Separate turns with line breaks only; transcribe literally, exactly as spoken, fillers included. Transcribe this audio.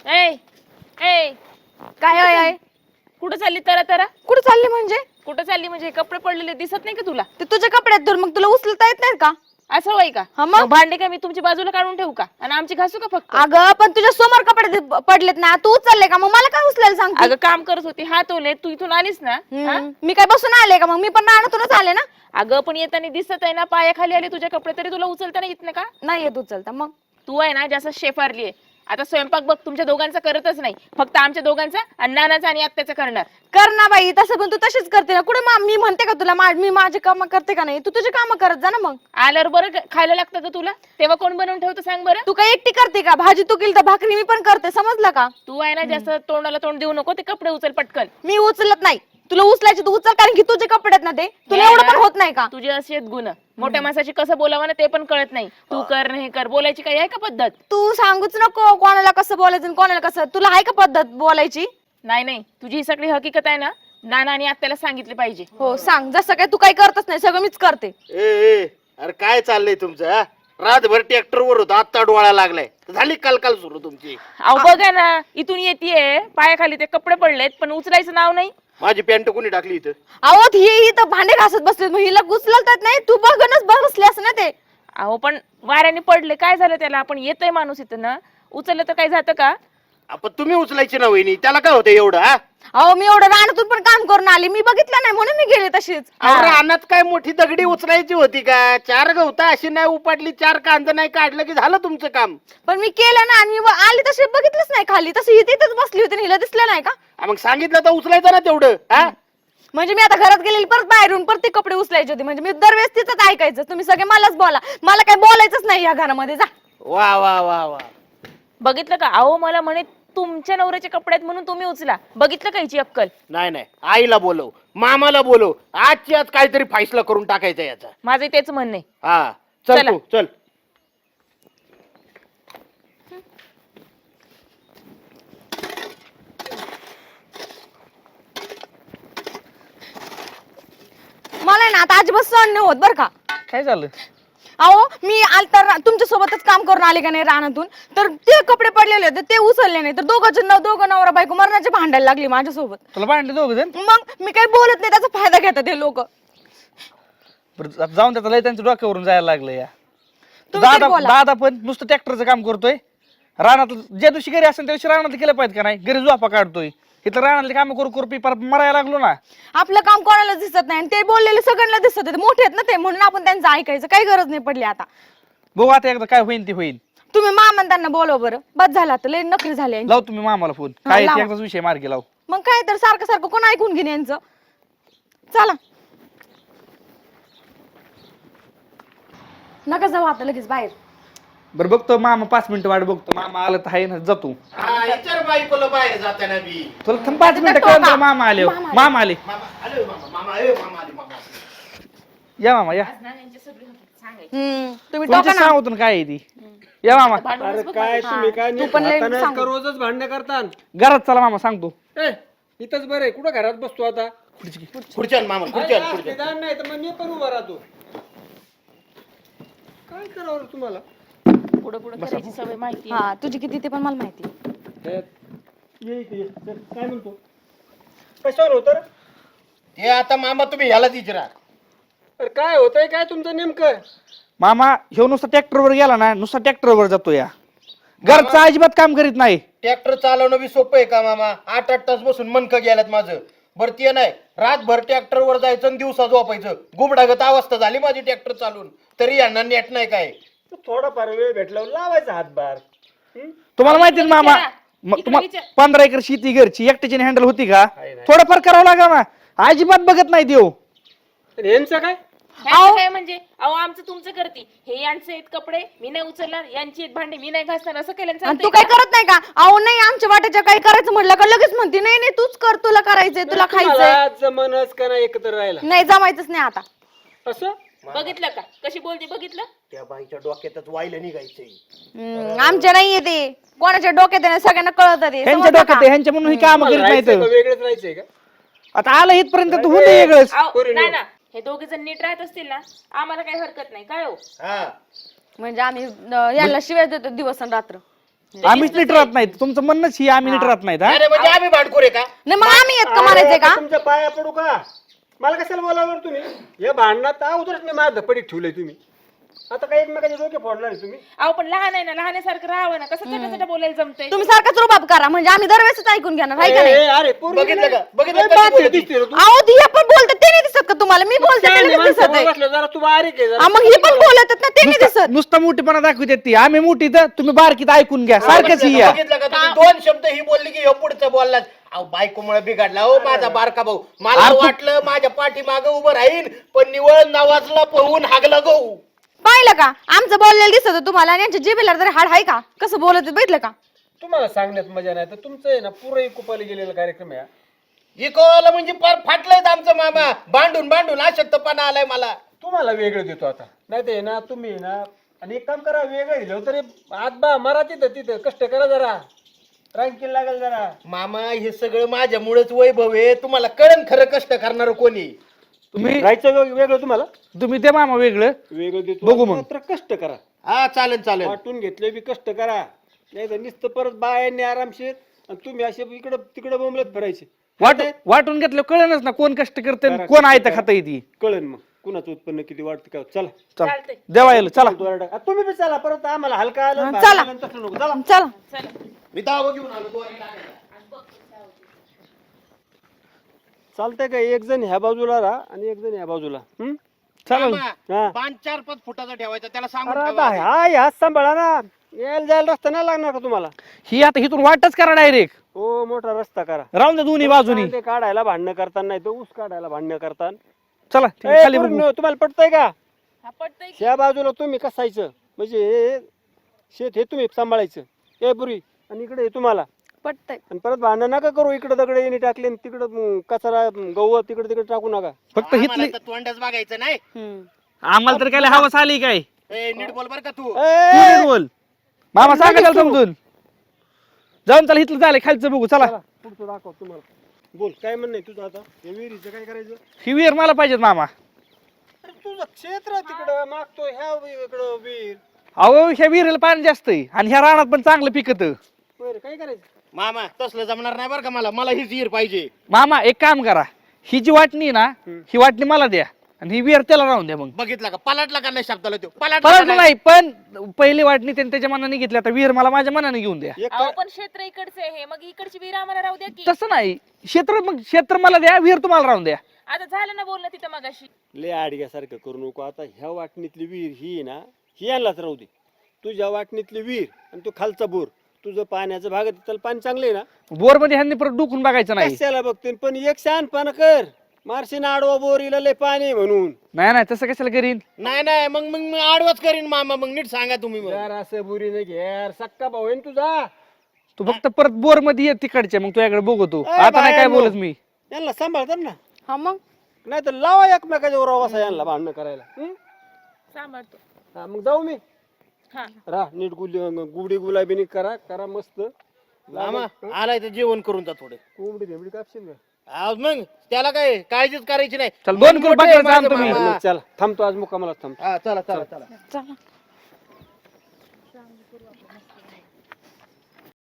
ए ए
काय आहे आहे?
कुठं चालली तरा तरा
कुठे चालली म्हणजे?
कुठं चालली म्हणजे कपडे पडलेले दिसत नाही का तुला?
ते तुझ्या कपड्यात धर, मग तुला उचलता येत नाहीत का?
असं होय का?
हा मग?
मग भांडे काय मी तुमची बाजूला काढून ठेवू का आणि आमची घासू का फक्त?
अगं पण तुझ्या समोर कपडे दि- पडलेत ना, तू उचलले का? मग मला काय उचलायला सांगते?
अगं काम करत होती हात ओले तू इथून आलीस ना हा?
हम्म, मी काय बसून आले का? मग मी पण रानातूनच आले ना.
अगं पण येताना दिसत आहे ना पायाखाली आले तुझ्या कपडे तरी तुला उचलता नाही येत नाही का?
नाही येत उचलता. मग
तू आहे ना जास्त शेफारली आहे. आता स्वयंपाक बघ तुमच्या दोघांचा करतच नाही, फक्त आमच्या दोघांचा आणि नानाचा आणि आत्याचा करणार.
कर ना बाई, तसं पण तू तशीच करते ना. कुठे मा- मी म्हणते का तुला मा- मी माझे काम करते का नाही? तू तुझे काम करत जा ना. मग
आल्यावर बरं ग- खायला लागतं का तुला? तेव्हा कोण बनवून ठेवतं सांग बरं?
तू काय एकटी करते का? भाजी तू केली तर भाकरी मी पण करते, समजलं का?
तू आहे ना जास्त तोंडाला तोंड देऊ नको, ते कपडे उचल पटकन.
मी उचलत नाही. तुला उचलायचे तू उचल, कारण की तुझे कपडे आहेत ना ते. तुला
हे
एवढं
ना,
पण होत नाही का?
तुझे असे आहेत गुण. मोठ्या माणसाची कसं बोलावं ना ते पण कळत नाही. तू कर नाही कर, बोलायची काही आहे का पद्धत?
तू सांगूच नको कोणाला कसं बोलायचं आणि कोणाला कसं. तुला आहे का पद्धत बोलायची?
नाही नाही, तुझी ही सगळी हकीकत आहे ना, नाना आणि आत्याला सांगितली पाहिजे.
हो सांग. जसं काय तू काही करतच नाही, सगळं मीच करते.
ए ए अरे काय चाललंय तुमचं हा? रातभर ट्रॅक्टर वर होतो, आत्ता डोळा लागलाय. झाली काल काल सुरू तुमची.
अहो बघा ना, इथून येतेय पायाखाली ते कपडे पडलेत पण उचलायचं नाव नाही.
माझी पॅन्ट कोणी टाकली इथं?
अहो ही ही तर भांडे घासत बसले, मग हिला उचलतात नाही. तू बघनच बसली असं ना ते.
अहो पण वाऱ्याने पडले काय झालं त्याला? आपण येतोय माणूस इथं ना, उचललं तर काय जातं का?
आपण तुम्ही उचलायची ना वहिनी, त्याला काय होतं एवढं हा?
अहो मी एवढं रानातून पण काम करून आली, मी बघितलं नाही म्हणून मी गेले तशीच.
अरे रानात काय मोठी दगडी उचलायची होती का? चार गवता अशी नाही उपाडली, चार कांदा नाही काढलं की झालं तुमचं काम.
पण मी केलं ना, आणि मी व- आली तशी बघितलंच नाही खाली. तशी ही तिथेच बसली होती आणि हिला दिसलं नाही का?
हा, मग सांगितलं तर उचलायचं ना तेवढं हा?
म्हणजे मी आता घरात गेलेली, परत बाहेरून परत ते कपडे उचलायचे होते. म्हणजे मी दरवेळेस तिथंच ऐकायचं. तुम्ही सगळे मलाच बोला, मला काय बोलायचंच नाही या घरामध्ये. जा.
वा वा वा वा.
बघितलं का? अहो मला म्हणे तुमच्या नवऱ्याचे कपडे आहेत म्हणून तुम्ही उचला. बघितलं का हिची अक्कल?
नाही नाही, आईला बोलव, मामाला बोलव, आजची आज काहीतरी फैसला करून टाकायचा याचा.
माझं तेच म्हणणं आहे.
हा चल
चला.
तू चल.
मला आहे ना आता अजिबात सहन नाही होत बरं का.
काय झालं?
अहो मी आल तर तुमच्या सोबतच काम करून आले का नाही रानातून, तर ते कपडे पडलेले होते ते उचलले नाही, तर दोघं न दोघं नवरा बायको मरणाचे भांडायला लागली माझ्यासोबत.
तुला भांडले दोघ जण?
मग मी काही बोलत नाही, त्याचा फायदा घेतात हे लोक.
बरं, आता जाऊन त्याचा लय त्यांच्या डोक्यावरून जायला लागलं या.
तुम्ही तरी
दादा
बोला.
दादा पण नुसतं ट्रॅक्टरचं काम करतोय. रानात ज्या दिवशी घरी असेल त्या दिवशी रानात केलं पाहिजे का नाही? घरी झोपा काढतोय, इथं रानातले काम करू करू पिपार मरायला लागलो ना.
आपलं काम कोणाला दिसत नाही आणि ते बोललेले सगळ्यांना दिसत होते. मोठे आहेत ना ते, म्हणून आपण त्यांचं ऐकायचं. काही गरज नाही पडली आता.
बघू आता एकदा काय होईल ते होईल.
तुम्ही मामा त्यांना बोलव बरं. बस झाला आता, लय नखरी झाले यांची.
लाव तुम्ही मामाला फोन.
हा,
काय ते
लावा.
एकदाच विषय मार्गी लाव.
मग काय तर सारखं सारखं कोण ऐकून घेणे यांचं. चला नका जाऊ आता लगेच बाहेर.
बरं बघतो मामा, पाच मिनिटं वाट बघतो. मामा आलं तर आहे ना, जातो.
हा विचार बायकोला बाहेर जाताना बी.
तुला थांब पाच मिनिटं
टोका.
कळलं. मामा आले हो.
मामा आले.
मामा आले.
मामा आले मामा, मामा ए मामा आले मामा.
या मामा या.
हम्म तुम्ही
तुमच्या
टोका ना.
सांगतो ना काय आहे ती. या मामा.
अरे काय तुम्ही काय
तू पण लय
हाताने
सांग.
का रोजच भांडणं करता?
घरात चला मामा, सांगतो.
ए, इथंच बरं आहे. कुठं घरात बसतो आता?
खुर्च्यान मामा खुर्च्यान
अरे,
खुर्च्यान.
निदान नाही तर मग मी पण उभा राहतो. काय करावं रे तुम्हाला?
पुढे पुढे करायची सवय माहिती
हा तुझी किती ते पण मला माहिती.
ए, ये इकडे ये. चल, काय म्हणतो? कशावर होतं रे?
ते आता मामा तुम्ही ह्यालाच विचारा.
अरे काय होतंय काय तुमचं नेमकं?
मामा ह्यो नुसता ट्रॅक्टरवर गेला ना, नुसता ट्रॅक्टरवर जातो या. घरचं अजिबात काम करीत नाही.
ट्रॅक्टर चालवणं बी सोपं आहे का मामा? आठ आठ तास बसून मनकं गेल्यात माझं. बरं ते नाही, रातभर ट्रॅक्टर वर जायचं आणि दिवसा झोपायचं. गुबडागत अवस्था झाली माझी ट्रॅक्टर चालून, तरी यांना नेट नाही काय.
थोडाफार वेळ भेटला लावायचा हातभार. हं?
तुम्हाला माहिती ना मामा,
विचारा.
म-
इकडे
तुम्हाला
विचार.
पंधरा एकर शेती घरची एकट्याची हँडल होती का?
नाही, नाही.
थोडंफार करावं लागा ना. अजिबात बघत नाही देव.
आणि यांचं काय?
ह्यांचं काय म्हणजे? अहो आमचं तुमचं करती. हे यांचे आहेत कपडे मी नाही उचलणार, यांची आहेत भांडे मी नाही घासणार, असं केलं
आणि
चालतंय
तू
का?
काय करत नाही का? अहो नाही आमच्या वाट्याच्या काही करायचं म्हटलं का लगेच म्हणते नाही नाही तूच कर, तुला करायचंय, तुला खायचंय.
तुम्हाला जमनच का नाही एकत्र राहायला?
नाही जमायचंच नाही आता.
असं
बघितलं का कशी बोलते? बघितलं?
त्या बाईच्या डोक्यातच वाहिलं निघायचंय.
हम्म, आमच्या नाहीये ते. कोणाच्या डोक्यात आहे ना, सगळ्यांना कळत ते.
ह्यांच्या
समजलं
डोक्यात
का?
आहे, ह्यांच्या म्हणून ही काम
तुम्हाला
करीत
राहायचंय का?
नाहीत.
वेगळंच राहायचंय का?
आता आलं इथपर्यंत तर होऊन दे वेगळंच.
अहो,
पोरींनो.
नाही ना, हे दोघे जण नीट राहत असतील ना, आम्हाला काही हरकत नाही. काय हो?
हा
म्हणजे आम्ही अं, याला शिवाय देतो दिवस आणि रात्र.
आम्हीच नीट राहत नाहीत तुमचं म्हणणंच ही आम्ही नीट राहत नाहीत हा
अरे म्हणजे आम्ही भांडखोर आहे का?
नाही मग आम्ही येत का म्हणायचंय
अरे,
का
तुमच्या पाया पडू का? मला कशाला बोलावर तुम्ही या भांडणात अगोदरच मी माझं धपडीत ठेवलंय तुम्ही आता काय एकमेकाचे डोके फोडणार आहे तुम्ही
अहो पण लहान आहे ना लहानासारखं राहावं ना कसं छोट्या छोट्या बोलायला जमतंय.
तुम्ही सारखाच रुबाब करा म्हणजे आम्ही दरवेळेस ऐकून घेणार आहे का
ए,
नाही
ए, अरे पोरगी
बघितलं
नाही.
का? बघितलं
लय
कशी
बात
बोलती?
दिसते रे तू.
अहो ती हे पण बोलतात ते नाही दिसत का तुम्हाला मी बोलते ते
शहाणी
नाही
माणसं
दिसत आहे
बोलत असल्यावर जरा तू बारीक आहे जरा.
हा, मग हे पण बोलत आहेत ना ते नाही
नुसतं-
दिसत
नुसतं मोठीपणा दाखवते ती आम्ही मोठी तर तुम्ही बारकीत ऐकून घ्या सारखंच ही या
बघितलं का तुम्ही दोन शब्द ही बोलली की ह्यो पुढचं बोलला अहो बायकोमुळे बिघडला हो माझा बारका भाऊ मला
अरे तू-
वाटलं माझ्या पाठीमागं उभं राहीन पण निवळ नवाजला पळून हागला गहू.
पाहिलं का आमचं बोललेलं दिसत होतं तुम्हाला आणि यांच्या जिभेला तरी हाड आहे का कसं बोलत आहेत, बघितलं का
तुम्हाला सांगण्यात मजा नाही तर तुमचं आहे ना पुरं कुपाला गेलेला कार्यक्रम आहे हा.
इकोला म्हणजे फार फाटलंय आमचं मामा भांडून भांडून अशक्तपणा आलाय मला.
तुम्हाला वेगळं देतो आता नाही ते ना तुम्ही ना आणि एक काम करा वेगळं दिलं तरी आत बा मरा तिथं तिथं कष्ट करा जरा रांकीला लागेल जरा.
मामा हे सगळं माझ्यामुळेच वैभव आहे तुम्हाला कळण खरं कष्ट करणार कोणी.
तुम्ही
राहायचं वेग- वेगळं तुम्हाला
तुम्ही ते मामा वेगळं
वेगळं देतो
बघू मग.
मात्र कष्ट करा
हा चालेल चालेल.
वाटून घेतले बी कष्ट करा नाही तर नुसतं परत बायांनी आरामशीर आणि तुम्ही असे इकडं तिकडं बोंबलत फिरायचे
वाट वाटून घेतलं कळणच ना कोण कष्ट करते
करा,
कोण
कष्ट
आहे तर
करा.
खाता येते
कळन मग कुणाचं उत्पन्न किती वाढतं काय चला
चला
चालतंय.
देवा येईल चला
दोरडा. आ, तुम्ही बी चला परत आम्हाला हलका आलं
हा,
भारी
चला.
आलं, तसं नको चला
चला
चला
मी दावा घेऊन आलो दोन टाकायला.
चालतंय का एक जण ह्या बाजूला राहा आणि एक जण ह्या बाजूला हम्म?
चला
मामा,
हा.
पाच चार पाच फुटाचा ठेवायचा त्याला सांगून
अरे
ठेवा.
आता हा ह्या सांभाळा ना यायला जायला रस्ता नाही लागणार का तुम्हाला
ही आता इथून वाटच करा डायरेक्ट
हो मोठा रस्ता करा
राहून द्या दोन्ही बाजूनी
कांदे काढायला भांडणं करताना नाही तर ऊस काढायला भांडणं करताना
चला
ए,
तुम्ही खाली
पोरींनो,
बघू.
तुम्हाला पटतंय का
हा पटतंय की?
ह्या बाजूला तुम्ही कसायचं म्हणजे हे शेत हे तुम्ही सांभाळायचं ए पुरी आणि इकडे हे तुम्हाला
पटतंय
आणि परत भांडण नका करू इकडे दगडे येणे टाकले आणि तिकडं म, कचरा म, गहू तिकडे तिकडे टाकू नका
फक्त
आम्हाला
हिथली
तर तोंडच बघायचं नाही.
हम्म.
आम्हाला तर काय हवस आली काय
ए, नीट बोल बर का तू.
तू
ए,
नीट बोल मामा सांगा त्याला समजून जाऊन चला इथलं झालं खालचं बघू चला
चला, पुढचं दाखव तुम्हाला बोल काय म्हणणं आहे तुझं आता हे विहिरीचं काय करायचं
ही विहीर मला पाहिजेत मामा
अरे तुझं क्षेत्र तिकडं मागतो ह्या वि- इकडं विहीर
अहो ह्या विहिरीला पाणी जास्त आहे आणि ह्या रानात पण चांगलं पिकत
बरं काय करायचं
मामा तसलं जमणार नाही बरं का मला मला हीच हिर पाहिजे.
मामा एक काम करा ही जी वाटणी आहे ना ही वाटणी मला द्या आणि ही विहीर त्याला राहून द्या मग
बघितला का पलाटला का नाही शब्दाला तो पलाटला
परत
का नाही?
नाही पण पहिली वाटणी त्यांनी त्याच्या मनाने घेतली आता विहीर मला माझ्या मनाने घेऊन द्या
एक
अहो
काय-
पण क्षेत्र इकडचं आहे हे मग इकडची विहीर आम्हाला राहू द्या की.
तसं नाही क्षेत्र मग क्षेत्र मला द्या विहीर तुम्हाला राहून द्या
आता झालं ना बोलणं तिथं मगाशी.
लय आडग्यासारखं करू नको आता ह्या वाटणीतली विहीर ही आहे ना ही यांनाच राहू दे तुझ्या वाटणीतली विहीर आणि तू खालचा बोर तुझं पाण्याचं भाग आहे, त्याला पाणी चांगलं आहे ना
बोर मध्ये ह्यांनी परत डुकून बघायचं नाही
कशाला बघते पण एक शहाणपणा कर मारशीन आडवा बोर हिला लय पाणी आहे म्हणून
नाही नाही तसं कशाला करीन
नाही नाही मग मग मी आडवच करीन मामा मग नीट सांगा तुम्ही मग.
यार असं बुरी नाही घेर सक्का भाऊ आहे ना तुझा
तू फक्त परत बोर मध्ये ये तिकडच्या मग तुझ्याकडे बघतो
ए,
आता नाही काय
बायांनो.
बोलत मी
यांना सांभाळतात ना
हा मग
नाही तर लावा एकमेकाच्या वर असा यांना भांडणं करायला हं?
सांभाळतो.
हा, मग जाऊ मी
हा
राह नीट गुली गुबडी गुलाबीनी करा करा मस्त
मामा आलाय तर जेवण करून जा थोडे.
कोंबडी भेंबडी कापशील का
आज मग त्याला काय काळजीच करायची नाही.
चल दोन किलो
मोठं आहे
बकऱ्याचं
माझं
आणतो मी
मामा.
चला थांबतो आज मुक्कामाला थांबतो
हा चला चला चला
चला